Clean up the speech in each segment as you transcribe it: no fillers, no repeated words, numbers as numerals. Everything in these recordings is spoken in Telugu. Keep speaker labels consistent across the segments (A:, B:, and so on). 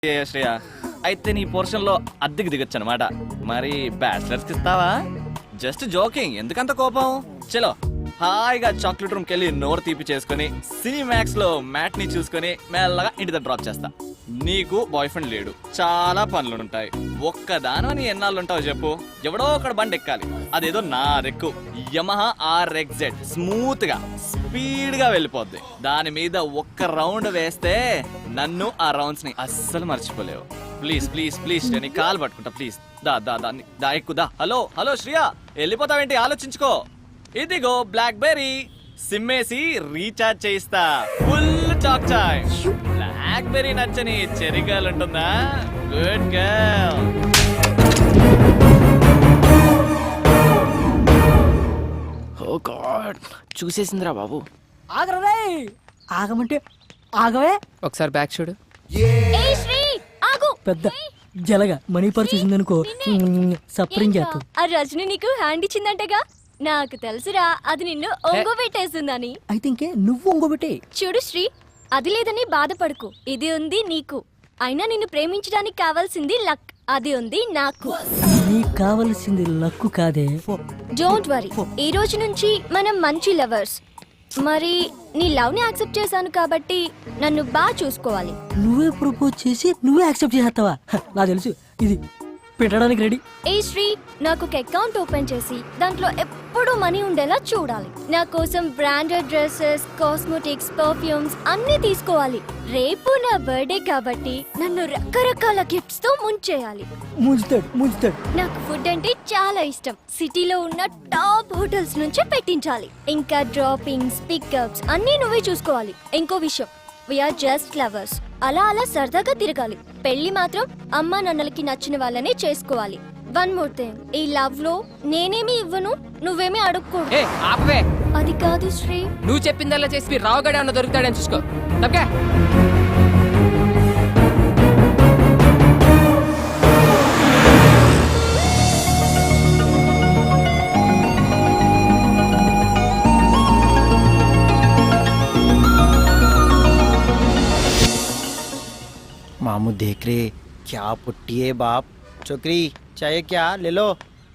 A: శ్రేయ అయితే నీ పోర్షన్ లో అద్దెకి దిగొచ్చు అనమాట. మరి బ్యాచిలర్స్ కి ఇస్తావా? జస్ట్ జోకింగ్, ఎందుకంత కోపం? చలో హాయిగా చాక్లెట్ రూమ్ కెళ్ళి నోరు తీపి చేసుకుని సినిమాక్స్ లో మ్యాట్ ని చూసుకుని మెల్లగా ఇంటి దగ్గర డ్రాప్ చేస్తా. నీకు బాయ్ ఫ్రెండ్ లేడు, చాలా పనులుంటాయి. ఒక్కదాని ఎన్నాళ్ళు ఉంటావు చెప్పు? ఎవడో ఒకడు బండి ఎక్కాలి, అదేదో నా రెక్కు యమహా RXZ, స్మూత్ గా స్పీడ్ గా వెళ్ళిపోద్ది. దాని మీద ఒక్క రౌండ్ వేస్తే నన్ను ఆ రౌండ్స్ ని అస్సలు మర్చిపోలేవు. ప్లీజ్ ప్లీజ్ ప్లీజ్ నేను కాల్ పట్టుకుంటా ప్లీజ్. దా దా దా ఎక్కుదా. హలో హలో శ్రియా, వెళ్ళిపోతావేంటి? ఆలోచించుకో. ఇదిగో బ్లాక్ బెర్రీ, సిమ్మేసి రీఛార్జ్ చేయిస్తా. Full talk time. BlackBerry నచ్చని చెర్రీ గర్ల్ ఉంటుందా? Good girl.
B: ఓ గాడ్, చూసేసిందిరా బాబు.
C: ఆగరే, ఆగమంటే ఆగవే.
B: ఒకసారి బ్యాక్ చూడు.
D: ఏయ్ శ్రీ, ఆగు.
C: పెద్ద జలగా మనీ పర్స్ చూసిందనుకో సప్రింగ్ చేస్తాం.
D: ఆ రజని నీకు హ్యాండ్ ఇచ్చిందంటగా? నాకు తెలుసురా, అది నిన్ను ఒంగో పెట్టేస్తుందని.
C: అయితే ఇంకే నువ్వు ఇంకోబెట్టే.
D: చూడు శ్రీ, అది లేదని బాధపడకు, ఇది ఉంది నీకు. అయినా నిన్ను ప్రేమించడానికి కావాల్సింది లక్, అది ఉంది నాకు.
C: నీకు కావలసింది లక్కు కాదే.
D: డోంట్ వరీ, ఈ రోజు నుంచి మనం మంచి లవర్స్. మరి నీ లవ్ ని యాక్సెప్ట్ చేశాను కాబట్టి నన్ను బాగా చూసుకోవాలి.
C: నువ్వే ప్రపోజ్ చేసి నువ్వే యాక్సెప్ట్ చేస్తావా? నాకు తెలుసు, ఇది పెట్టడానికి రెడీ.
D: ఏ శ్రీ, నాకు ఒక అకౌంట్ ఓపెన్ చేసి దాంట్లో ఎప్పుడూ మనీ ఉండేలా చూడాలి. నా కోసం బ్రాండెడ్ డ్రెస్సెస్, కాస్మెటిక్స్, పర్ఫ్యూమ్స్ అన్ని తీసుకోవాలి. రేపు నా బర్త్డే కాబట్టి నన్ను రకరకాల గిఫ్ట్స్ తో ముంచేయాలి.
C: ముంచుతాడు.
D: నాకు ఫుడ్ అంటే చాలా ఇష్టం. సిటీలో ఉన్న టాప్ హోటల్స్ నుంచే పెట్టించాలి. ఇంకా డ్రాపింగ్స్, పికప్స్ అన్ని నువ్వే చూసుకోవాలి. ఇంకో విషయం, వీఆర్ జస్ట్ లవర్స్. అలా అలా సరదాగా తిరగాలి. పెళ్లి మాత్రం అమ్మా నాన్నలకి నచ్చిన వాళ్ళనే చేసుకోవాలి. వన్ మోర్ థింగ్, ఈ లవ్ లో నేనేమి ఇవ్వను, నువ్వేమీ అడుక్కోడు.
B: ఏ ఆపవే,
D: అది కాదు శ్రీ.
B: నువ్వు చెప్పిందల్లా చేసి రావుగడే అన్న దొరుకుతాడని చూసుకో. తప్పకే.
E: मामू देख रहे, क्या पुट्टी है बाप. छोकरी चाहिए क्या, ले लो.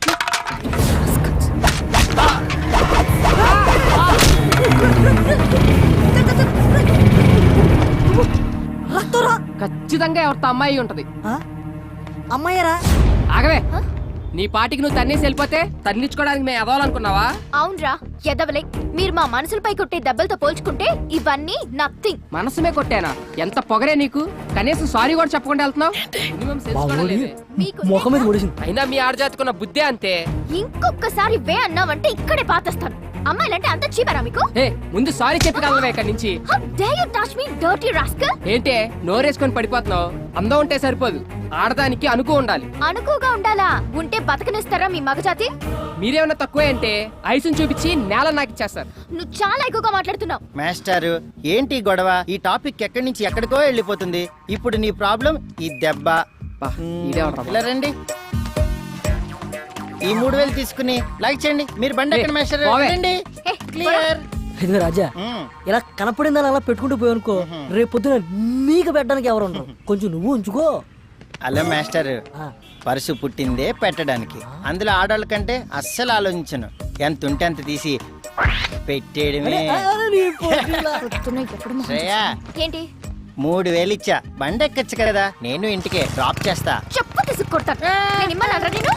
B: ఖచ్చితంగా ఎవరితో అమ్మాయి ఉంటది.
C: అమ్మాయిరా.
B: ఆగవే, నీ పాటికి నువ్వు తన్నేసి వెళ్ళిపోతే తన్నించుకోవడానికి మేము ఎదవాలనుకున్నావా?
D: అవునరా ఎదవలే, మీరు మా మనసులపై కొట్టే దెబ్బలతో పోల్చుకుంటే ఇవన్నీ నథింగ్.
B: మనసుమే కొట్టానా? ఎంత పొగరే నీకు, కనీసం సారీ కూడా చెప్పకుండా వెళ్తున్నావు. మినిమం సెన్స్ కూడా లేదే.
C: ముఖం మీద కొడేసింది.
B: అయినా మీ ఆడజాతుకున్న బుద్ధే అంతే.
D: ఇంకొకసారి వే అన్నావంటే ఇక్కడే పాతేస్తాను. అమ్మాయిలంటే అంత చీపరా మీకు?
B: ఏ ముందు సారీ చెప్పి కలవే ఇక్కడి నుంచి.
D: How dare you touch me, dirty rascal?
B: ఏంటే నోరేసుకొని పడిపోతున్నావు? అందం ఉంటే సరిపోదు, ఆడదానికి అనుకో ఉండాలి.
D: అనుకుగా ఉండాలా? ఉంటే బతకనిస్తారా మీ మగజాతి?
B: మీరేమన్నా తక్కువే అంటే ఐసుని చూపించి నేల నాకు ఇచ్చేస్తారు.
D: నువ్వు చాలా ఎక్కువగా మాట్లాడుతున్నావు.
E: మాస్టారు ఏంటి గొడవ? ఈ టాపిక్ ఎక్కడి నుంచి ఎక్కడికో వెళ్ళిపోతుంది. ఇప్పుడు నీ ప్రాబ్లం ఈ దెబ్బ. ఇలా రండి, ఈ 3000 తీసుకుని లైక్ చేయండి. మీరు బండి ఎక్కడ మాస్టర్? రండి. క్లియర్.
C: ఇదిగో రాజా, ఇలా కనపడిందని అలా పెట్టుకుంటూ పోయానుకో, రేపు పొద్దున నీకు పెట్టడానికి ఎవరు ఉండరు. కొంచెం నువ్వు ఉంచుకో.
E: అలా మాస్టర్, పరుసు పుట్టిందే పెట్టడానికి. అందులో ఆడవాళ్ళ కంటే అస్సలు ఆలోచించను. ఎంత ఉంటే అంత తీసి పెట్టేయడమే. శ్రేయా,
D: ఏంటి
E: 3000 ఇచ్చా, బండి ఎక్కచ్చు కదా, నేను ఇంటికే డ్రాప్ చేస్తా.
D: చెప్పు తీసుకొడతాను. నేను ఇమ్మన్నారా నేను?